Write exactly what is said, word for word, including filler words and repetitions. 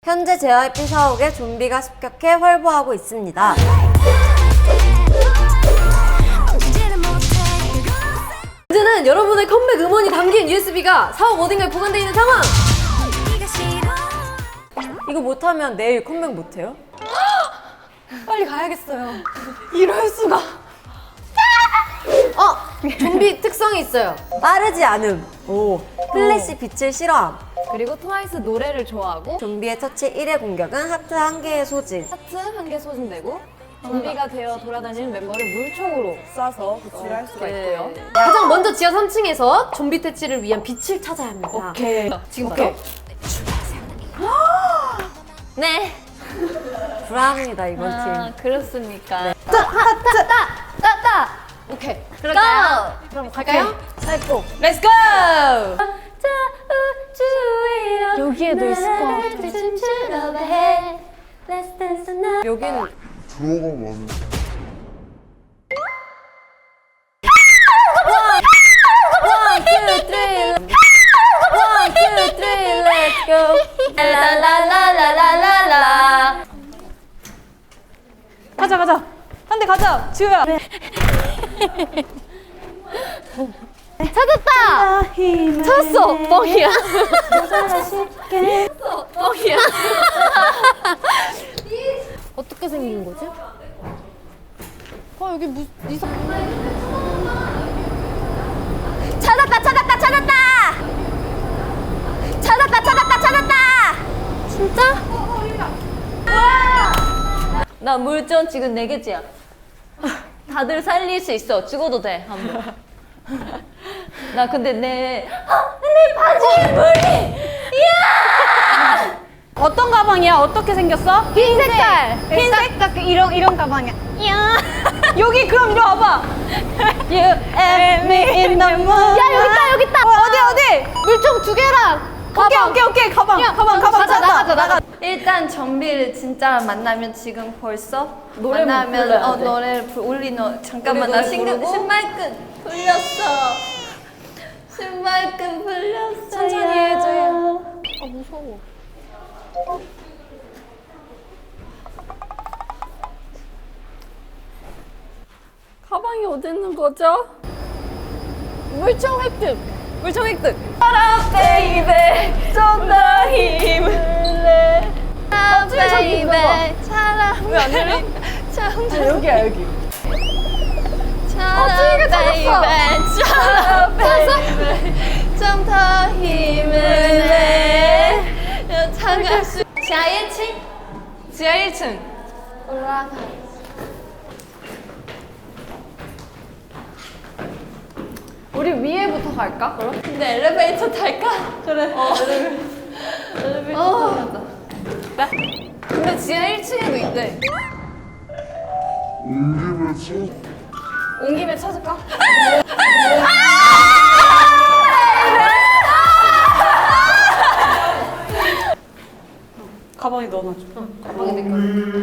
현재 제이와이피 사옥에 좀비가 습격해 활보하고 있습니다. 이제는 여러분의 컴백 음원이 담긴 유에스비가 사옥 어딘가에 보관되어 있는 상황! 이거 못하면 내일 컴백 못해요? 빨리 가야겠어요. 이럴 수가. 어! 좀비 특성이 있어요. 빠르지 않음. 오. 플래시 빛을 싫어함. 그리고 트와이스 노래를 좋아하고 좀비의 처치 일 회 공격은 하트 한 개의 소진. 하트 한 개 소진되고 좀비가 되어 돌아다니는 멤버를 물총으로 쏴서 구출을 할 수가 있고요. 가장 먼저 지하 삼 층에서 좀비 퇴치를 위한 빛을 찾아야 합니다. 오케이. 지금 오케이. 바로. 네. 불합니다 이번 아, 팀. 그렇습니까? 따! 따! 따! 따! 오케이. 그럴까요? 그럼 갈까요? 살포. 렛츠고! 여기에도 있을 것 같아. 여기는 들어가 많은 one, two, three. one, two, three, let's go. 라라라라라라라. 가자 가자 한 대 가자 지우야. 찾았다! 찾았어! 뻥이야. 찾았어! 뻥이야. 어떻게 생긴 거지? 아, 여기 무, 이상. 찾았다! 찾았다! 찾았다! 찾았다! 찾았다! 찾았다! 진짜? 나 물전 지금 네 개째야. 다들 살릴 수 있어. 죽어도 돼, 한 번. 나 근데 내, 내 바지에 물이! 이야! 어떤 가방이야? 어떻게 생겼어? 흰 색깔! 흰색 딱 이런 이런 가방이야. 이야. 여기 그럼 이리 와봐. You and me in the moon. 야, 여기 있다, 여기 있다! 어, 어디 어디? 물총 두 개랑! 오케이 오케이 오케이 가방 야, 가방 가방 가자, 찾았다. 나가자, 나가. 일단 좀비를 진짜 만나면 지금 벌써 노래 만나면 불러야 어 돼. 노래를 부- 우리 너 잠깐만 노래 나 신경 부르고? 신발끈 풀렸어. 신발끈 풀렸어. 천천히 해줘요. 아, 무서워. 가방이 어디 있는 거죠? 물총 획득! 물총 획득! 알아, 베이베, 좀 더 힘을 내. 아, 베이베, 사랑. 왜안 들려? 참, 여기야 여기. 차라, 베이베, 차라, 베이베, 좀 더 힘을 내. 차가 수. 지하 일 층? 지하 일 층. 올라가. 우리 위에부터 갈까, 그럼? 근데 엘리베이터 탈까? 그래. 어, 엘리베이터 타자. 네. 근데 지하 일 층에도 있대. 온 김에 쳐 온 김에 찾을까? 가방에 넣어놔줘. 가방에 내 거.